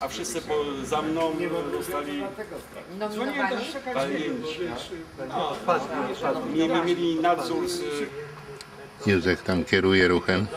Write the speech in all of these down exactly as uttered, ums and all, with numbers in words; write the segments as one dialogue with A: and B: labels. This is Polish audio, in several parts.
A: a wszyscy po, za mną zostali
B: nominowani.
A: walnięci. Nie mieli nadzór z...
C: Józef tam kieruje ruchem.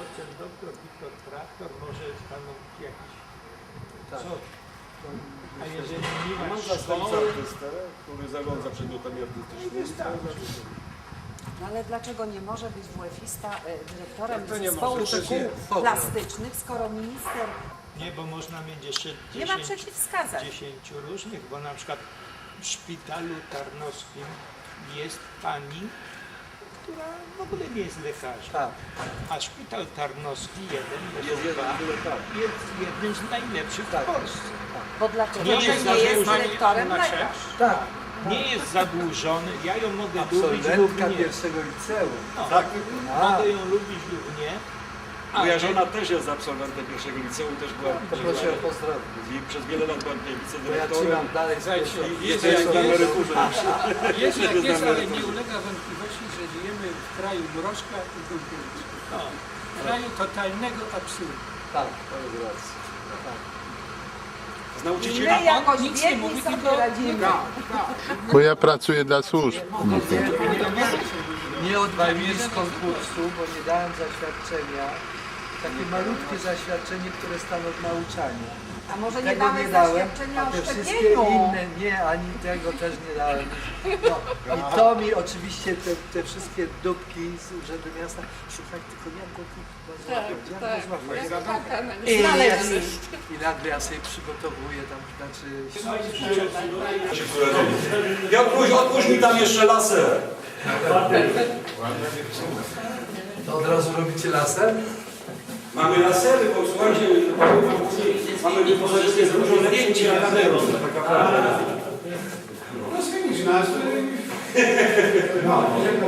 D: A jeżeli nie
A: Mam
D: masz
A: zastępcę
D: szkoły,
A: artystę, który zarządza przedmiotami artystycznymi.
B: No ale dlaczego nie może być WF-ista e, dyrektorem
E: To nie
B: zespołu
E: może, to
B: szkół
E: nie-
B: plastycznych, skoro minister
D: nie, bo można mieć jeszcze
B: nie ma
D: dziesięć,
B: przeciwwskazań?
D: dziesięciu różnych, bo na przykład w szpitalu tarnowskim jest pani, która w ogóle nie jest lekarzem.
E: Tak.
D: A szpital tarnowski jeden
A: Jest jeden, tyle tak.
D: jest jednym z najlepszych w Polsce.
B: Bo dlaczego
D: Nie
B: nie,
D: jest
B: nie jest
D: zadłużony
B: dyrektorem
D: Anna
B: lekarz?
E: Tak.
D: Nie jest zadłużony, ja ją mogę lubić lub
E: Absolwentka
D: nie.
E: pierwszego liceum.
D: No,
A: Tak.
D: mogę ją lubić lub nie.
A: Moja
D: ale-
A: żona też jest absolwentem pierwszego liceum, też była
E: To proszę ją pozdrowić.
A: i przez wiele lat była tutaj
E: Bo ja
A: wicedyrektorem.
E: trzymam dalej z pierwszego.
A: I jest jak na emeryturze.
F: Jest jak
A: Jest
F: jest,
A: na
F: ale nie
A: emeryturze.
F: ulega wątpliwości, że żyjemy w kraju mrożka i Gulkiewicza.
D: No.
F: W kraju totalnego absurdu.
E: Tak, to jest racja. Tak.
A: Z nauczycieli.
B: My jakoś
F: nic nie
B: biedni
F: mówi,
B: sobie
F: tylko-
B: radzimy.
C: Bo ja pracuję dla służb. No to.
E: Nie odbyłem z konkursu, bo nie dałem zaświadczenia. Takie malutkie zaświadczenie, które stanowi nauczanie.
B: A może nie
E: Tego
B: damy
E: nie dałem,
B: zaświadczenia
E: a
B: o
E: te wszystkie
B: szczepieniu?
E: inne nie, ani tego też nie dałem. No, i to mi oczywiście te, te wszystkie dupki z Urzędu Miasta, słuchaj, tylko jak go tu złapać, jak go złapać. I,
B: Znaleźli.
E: jest, I nagle ja sobie przygotowuję tam, znaczy...
A: Piotruś, odpuść mi tam jeszcze laser.
E: To od razu robicie laser?
A: Mamy lasery, bo słuchajcie, mamy wyposażenie z dużo lepszym niż laseru. Taka prawda.
F: No zmienić nazwy. No,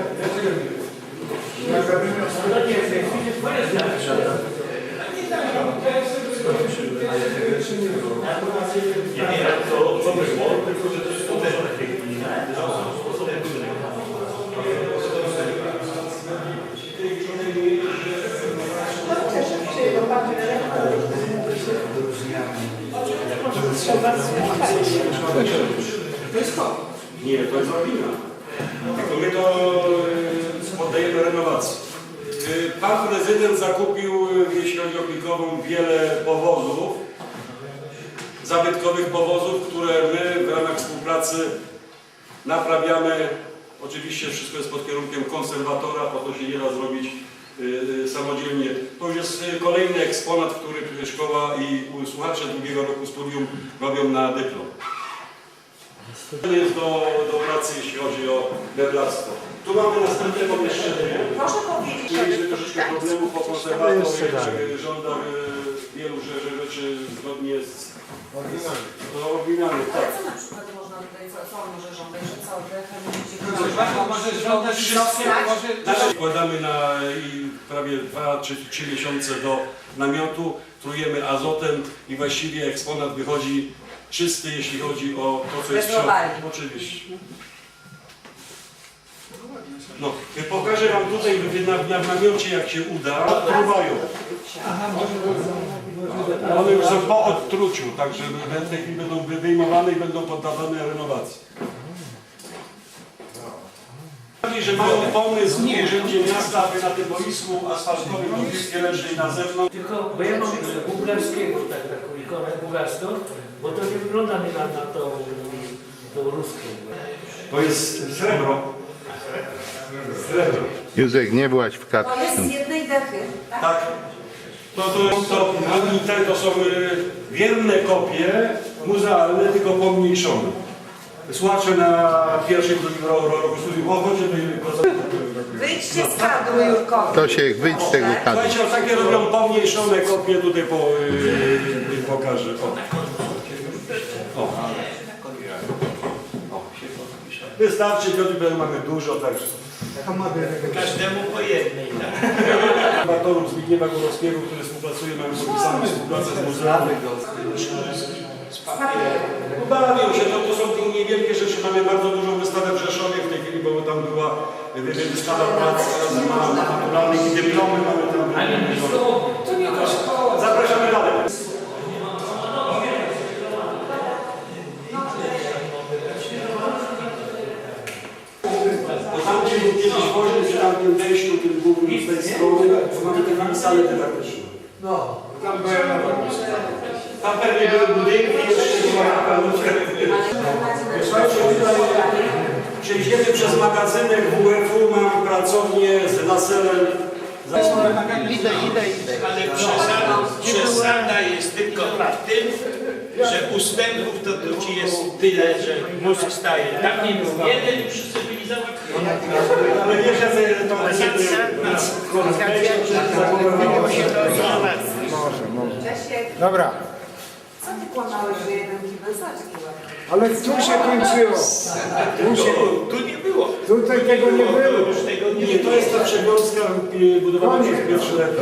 A: Nie, to jest opina. Tylko my to y, poddajemy renowacji. Y, Pan prezydent zakupił, y, jeśli chodzi o Plikową, wiele powozów, zabytkowych powozów, które my w ramach współpracy naprawiamy. Oczywiście wszystko jest pod kierunkiem konserwatora, bo to się nie da zrobić y, y, samodzielnie. To już jest y, kolejny eksponat, który szkoła i słuchacze drugiego roku studium robią na dyplom. To jest do, do pracy, jeśli chodzi o meblarstwo. Tu mamy następne pomieszczenie.
B: Proszę powiedzieć,
A: Mieliśmy troszeczkę problemów po konserwatorze, który żąda y, wielu rzeczy, rzeczy zgodnie z oryginalnych.
B: ale
A: Tak.
B: co na przykład można tutaj, co, co on może żądać, że co, dechem będzie
F: może żądać wszystkie, może...
A: Teraz wkładamy na i prawie dwa czy trzy miesiące do namiotu, trujemy azotem i właściwie eksponat wychodzi czysty, jeśli chodzi o to, co jest w środku.
B: Bezlobalnie.
A: Oczywiście. No, pokażę Wam tutaj na, na, w namiocie, jak się uda, truwają. One już są po odtruciu, także w tej chwili będą wyjmowane i będą poddawane renowacji. Że mają pomysł w Urzędzie Miasta, aby na tym boisku asfaltowym do piłki ręcznej na zewnątrz.
G: Tylko, bo ja mam bułgarskiego, tak, taką ikonę bułgarską, bo to nie wygląda mi na, na tą, tą ruską.
A: To jest srebro. Srebro.
C: Józef, nie byłaś w
B: To
C: Katwie.
B: jest z jednej dechy, tak?
A: Tak. To, to, to, te to są y, wierne kopie muzealne, tylko pomniejszone. Słuchacze na pierwszym, drugim roku studium, chodźcie do
B: Wyjdźcie z kadru, Jurko.
C: To się wyjdź z tego kadru.
A: Słuchajcie, o takie robią pomniejszone kopie, tutaj po, yy, pokażę. O. O. Wystarczy, Piotr, mamy dużo, także.
D: Każdemu po jednej.
A: Batorów Zbigniewa Górowskiego, który współpracuje, mamy podpisaną współpracę z muzeum. Bawią się, to, to są te niewielkie rzeczy. Mamy bardzo dużą wystawę w Rzeszowie w tej chwili, bo tam była wystawa prac naturalnych i dyplomy mamy tam.
F: To nie to szkoła.
A: Zapraszamy dalej. sale dydaktyczne.
E: No,
A: Tam pewnie były budynki, jeszcze była kapeluszka. Przejdziemy przez magazynek W F U, mam pracownię z laserem.
E: idę, idę, idę.
D: Ale przesada, przesada jest tylko w tym, że ustępów to tu ci jest tyle, że mózg staje. Tam nie był jeden i wszyscy byli załatwieni.
A: Ale wiesz, że to
H: Dobra,
B: Co ty kłamałeś, że jeden kibel zaczki ładnie?
H: ale tu się kończyło. Tu, się,
D: Tu nie było.
H: tutaj tego nie było.
D: Już tego nie
A: Nie, to jest ta przewiązka y, budowana przez pierwszy lepiej.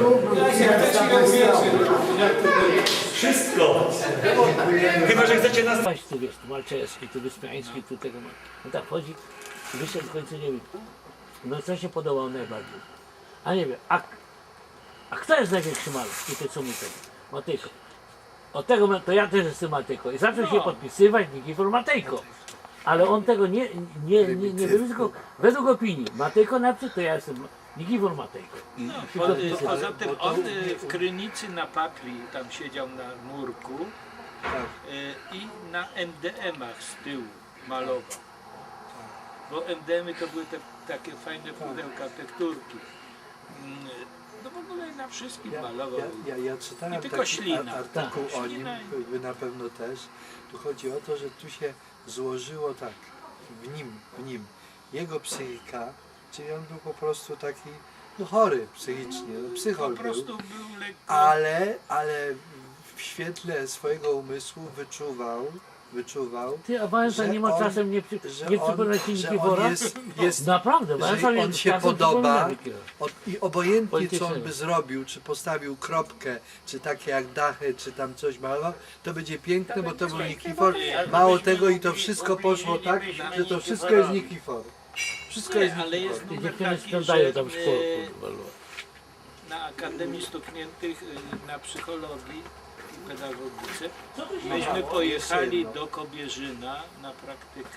A: Wszystko. Chyba, że chcecie nas...
G: Paź tu wiesz, tu Malczewski, tu Wyspiański, tu tego ma. No tak chodzi, wyszedł w końcu nie wiem. No co się podobało najbardziej? A nie wiem, a, a kto jest największy malarz? I ty co mu tego? Matejko. Od tego ma- to ja też jestem Matejko. I zaczął się podpisywać Nikifor Matejko. Ale on tego nie, nie, nie, nie wybił, tylko według opinii. Matejko napisał, to ja jestem Nikifor Matejko. I,
D: No,
G: i się
D: po,
G: podpisywał.
D: poza tym on y, w Krynicy na papli tam siedział na murku y, i na M D M-ach z tyłu malował. Bo M D M-y to były te takie fajne pudełka, tekturki. Mm, No w ogóle na wszystkim
E: Ja,
D: malował.
E: ja, ja, ja czytałem
D: I tylko
E: taki
D: ślina.
E: ar- artykuł
D: Tak.
E: o nim,
D: Ślina i-
E: wy na pewno też. Tu chodzi o to, że tu się złożyło tak, w nim, w nim, jego psychika, czyli on był po prostu taki no, chory psychicznie, no, psychol
D: Po
E: był,
D: prostu był lekko...
E: ale, ale w świetle swojego umysłu wyczuwał, wyczuwał,
G: Ty, a Wałęsa
E: że
G: nie ma
E: on-
G: czasem nie, przy,
E: że
G: nie
E: on,
G: przypomina ci
E: że on
G: Nikifora?
E: jest, jest
G: Naprawdę,
E: że
G: Wałęsa
E: on
G: nie-
E: się
G: czasem
E: podoba,
G: przypomina Nikifora.
E: od, i obojętnie co on
G: Politycznego.
E: by zrobił, czy postawił kropkę, czy takie jak dachy, czy tam coś malował, to będzie piękne, bo to był Nikifor. Mało tego i to wszystko poszło tak, że to wszystko jest Nikifor. Wszystko jest
D: Nie, ale
E: Nikifor.
D: jest
G: Te
D: numer
G: dziewczyny
D: taki,
G: sprzątają
D: że
G: tam w
D: e,
G: szkole. kurwa.
D: na Akademii Stukniętych y, na psychologii i pedagogice myśmy pojechali do Kobierzyna na praktykę.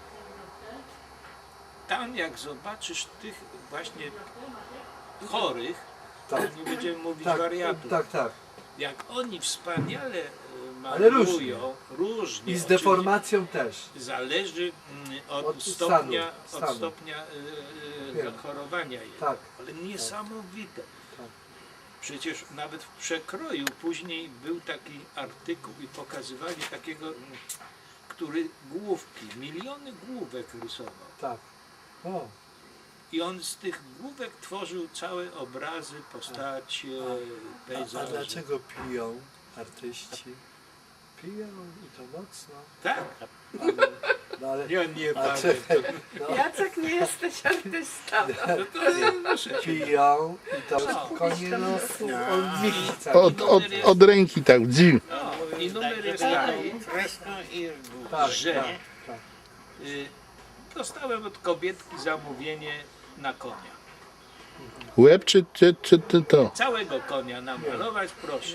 D: Tam jak zobaczysz tych właśnie chorych,
E: Tak.
D: nie będziemy mówić
E: Tak,
D: wariatów,
E: tak, tak.
D: jak oni wspaniale y,
E: Ale
D: malują, różnie,
E: I z
D: oczywiście.
E: deformacją też.
D: Zależy mm, od,
E: Od
D: stopnia,
E: stanu,
D: od
E: stanu.
D: stopnia y, y,
E: Wiem.
D: zachorowania jej.
E: Tak.
D: Ale niesamowite.
E: Tak.
D: Przecież nawet w przekroju później był taki artykuł i pokazywali takiego, mm, który główki, miliony główek rysował.
E: Tak. O,
D: I on z tych główek tworzył całe obrazy, postacie,
E: a, a
D: pejzaże.
E: dlaczego piją artyści? Piją i to mocno.
D: Tak,
E: No ale,
D: ja nie
E: a
D: pamiętam.
E: czekaj, no,
B: Jacek, nie jesteś artystą.
D: No to muszę się
E: piją i to
D: No.
E: konie no, on michi cały.
C: Od, od, od ręki tak, dziw.
D: No, i numer jest taki,
E: Tak,
D: że
E: tak, tak.
D: y, dostałem od kobietki zamówienie na konia.
C: Łeb czy, czy, czy, czy to?
D: Całego konia namalować, proszę.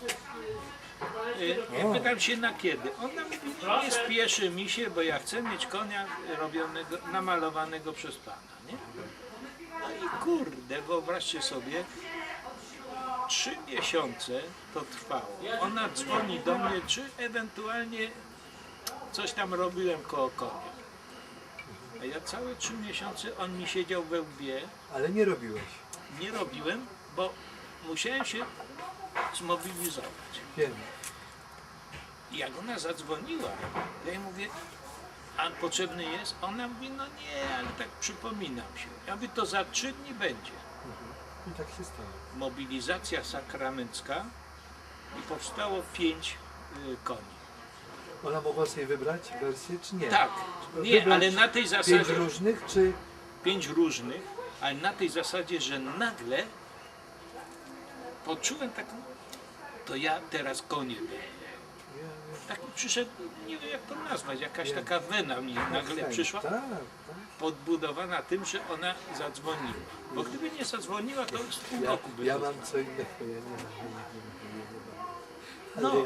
D: Y, I pytam się na kiedy. Ona mówi, no nie spieszy mi się, bo ja chcę mieć konia robionego, namalowanego przez pana, nie? No i kurde, wyobraźcie sobie, trzy miesiące to trwało. Ona dzwoni do mnie, czy ewentualnie coś tam robiłem koło konia. A ja całe trzy miesiące on mi siedział we łbie,
E: Ale nie robiłeś.
D: nie robiłem, bo musiałem się zmobilizować.
E: Wiem.
D: I jak ona zadzwoniła, ja jej mówię, a potrzebny jest? Ona mówi, no nie, ale tak przypominam się. Ja mówię, to za trzy dni będzie.
E: I tak się stało.
D: Mobilizacja sakramencka i powstało pięć y, koni.
E: Ona mogła sobie wybrać wersję, czy nie?
D: Tak, nie,
E: Wybrać
D: ale na tej
E: Pięć
D: zasadzie,
E: różnych, czy...
D: pięć różnych, ale na tej zasadzie, że nagle poczułem taką, to ja teraz konie będę. Taki przyszedł, nie wiem jak to nazwać, jakaś taka wena mi nagle przyszła,
E: Tak, tak.
D: podbudowana tym, że ona zadzwoniła. Bo gdyby nie zadzwoniła, to z pół
E: Ja,
D: roku by
E: ja
D: to
E: mam co innego, ja nie mam, nie, nie, nie, nie, nie, nie mam. Ale
D: No.
E: jak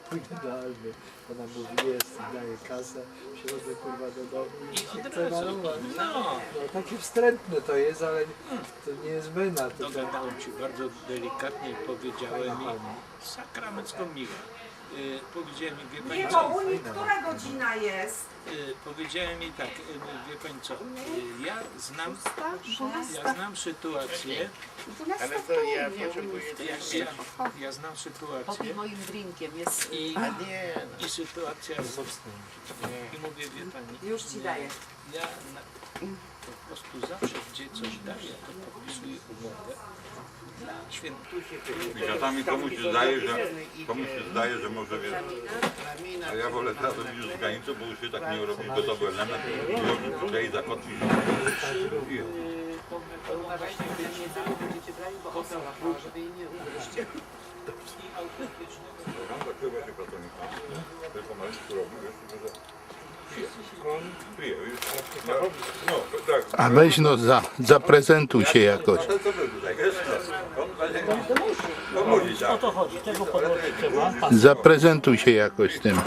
E: oryginalny. Ona mówi, jest, i daje kasę, przychodzę kurwa do domu i
D: Od
E: chcę
D: razu.
E: malować.
D: No,
E: No, takie wstrętne to jest, ale to nie jest wena. To tak.
D: dogadałem ci bardzo delikatnie i powiedziałem mi sakramencko miłe. Y, powiedziałem mi, wie pani
B: Nie,
D: co?
B: bo u nich która godzina jest?
D: Y, powiedziałem mi tak, y, wie pani co? Y, ja znam, ja znam sytuację,
B: Ale to ja potrzebuję
D: ja, ja, ja znam sytuację
B: Popij moim drinkiem, jest...
D: i, i sytuacja i mówię, wie pani,
B: Już ci daję.
D: ja na, po prostu zawsze gdzie coś daję, to podpisuję umowę dla świętusie.
I: I czasami komuś się zdaje, że komuś się zdaje, że może wiesz, a ja wolę teraz robić już z granicą, bo już się tak nie robi gotowy element, i tutaj zakotwić. I
B: Uważajcie, że jedzenie będziecie brali, bo osoba, żeby jej nie ugryźć.
I: mam takiego właśnie pracownika, który pomarańczy robi, wiesz, że on pije, już, no, no, tak.
C: A weź no, za, zaprezentuj się jakoś.
I: To co był tutaj, wiesz, no, on będzie, on mówi
G: O
I: tak.
G: to chodzi, tego podłożyć trzeba.
C: Zaprezentuj się jakoś tym.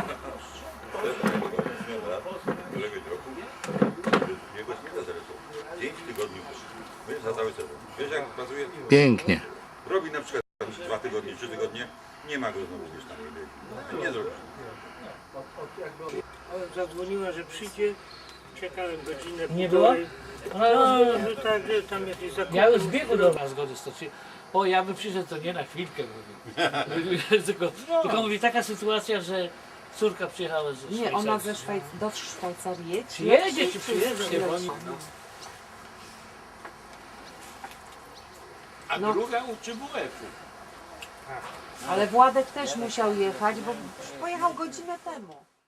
I: Kolegę roku, jego śmiecia zresztą, pięć tygodni, my za cały sezon. Wiesz jak pracuje?
C: Pięknie.
I: Robi na przykład dwa tygodnie, trzy tygodnie, nie ma go znowu gdzieś tam. Nie zrobi.
H: Zadzwoniła, że przyjdzie. Czekałem godzinę.
G: Nie było?
H: No, że tak, że tam jakieś zakupy.
G: Ja już w biegu do was zgody stoczyłem. O, ja bym przyszedł, to nie na chwilkę mówię. tylko, tylko mówi, taka sytuacja, że córka przyjechała ze
B: Nie, ona
G: Szwajcarii.
B: ze Szwajc... do Szwajcarii jedzie.
G: Przyjedzie czy przyjedzie?
B: Przyleci.
G: Bo oni...
D: A
B: No.
D: druga uczy W F-u.
B: Ale Władek też musiał jechać, bo pojechał godzinę temu.